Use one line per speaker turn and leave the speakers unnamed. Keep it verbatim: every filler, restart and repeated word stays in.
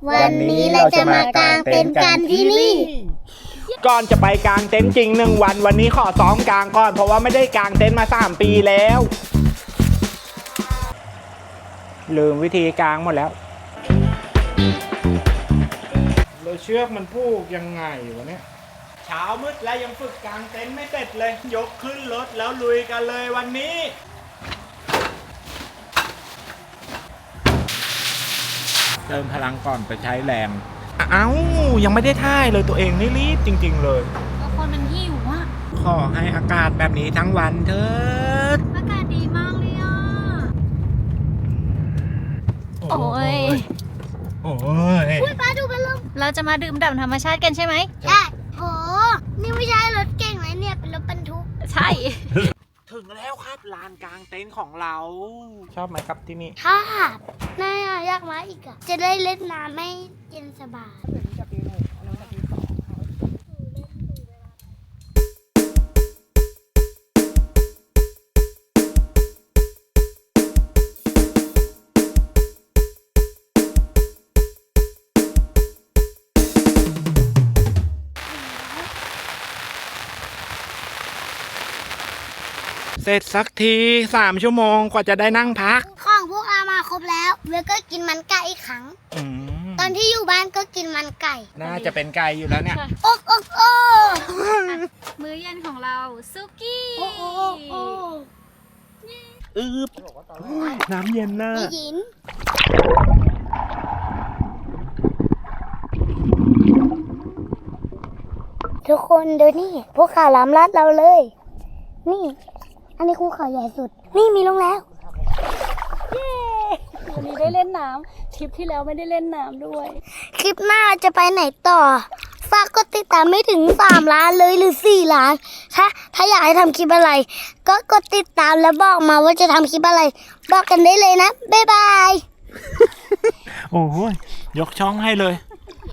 วันนี้เราจะมากางเต็นท์กันที่นี่
ก่อนจะไปกางเต็นท์จริงหนึ่งวันวันนี้ขอซ้อมกางก่อนเพราะว่าไม่ได้กางเต็นท์มาสามปีแล้วลืมวิธีกางหมดแล้วเราเชือกมันผูกยังไงวะเนี่ยเช้ามืดแล้วยังฝึกกางเต็นท์ไม่เสร็จเลยยกขึ้นรถแล้วลุยกันเลยวันนี้เติมพลังก่อนไปใช้แรงเอ้ายังไม่ได้ท่ายเลยตัวเองนี่รีบจริงๆเลย
ก็คนมันหิวอ่ะ
ขอให้อากาศแบบนี้ทั้งวันเถิด
อากาศดีมากเลยอ่ะโอ้ย
โอ้ย
พูดป้าดูเป็นลมเราจะมาดื่มด่ำธรรมชาติกันใช่ไหมใช่โหนี่ไม่ใช่รถเก่งเลยเนี่ยเป็นรถบรรทุกใช่
ถึงแล้วครับลานกลางเต็นท์ของเราชอบไหมครับที่นี่
ชอบน่าอยากมาอีกอ่ะจะได้เล่นน้ำไม่เย็นสบาย
เสร็จสักทีสามชั่วโมงกว่าจะได้นั่งพัก
ของพวกอามาครบแล้วเวก็กินมันไก่อีกครั้งตอนที่อยู่บ้านก็กินมันไก่
น่าจะเป็นไก่อยู่แล้วเนี่ย
โอ๊กโอ๊กโอ๊
มื้อเย็นของเราซุกี้
โอ๊กโอ๊กโอ๊ก
อืบน้ำเย็นน่ะ
นี่ยินทุกคนดูนี่พวกเขาล้ำลัดเราเลยนี่อันนี้ภูเขาใหญ่สุดนี่มีลงแล้ว
เย้วันนี้ได้เล่นน้ำทริปที่แล้วไม่ได้เล่นน้ำด้วย
คลิปหน้าจะไปไหนต่อฝากกดติดตามไม่ถึงสามล้านเลยหรือสี่ล้านถ้าถ้าอยากให้ทำคลิปอะไรก็กดติดตามแล้วบอกมาว่าจะทำคลิปอะไรบอกกันได้เลยนะบ๊ายบาย
โอ้ยยกช่องให้เลย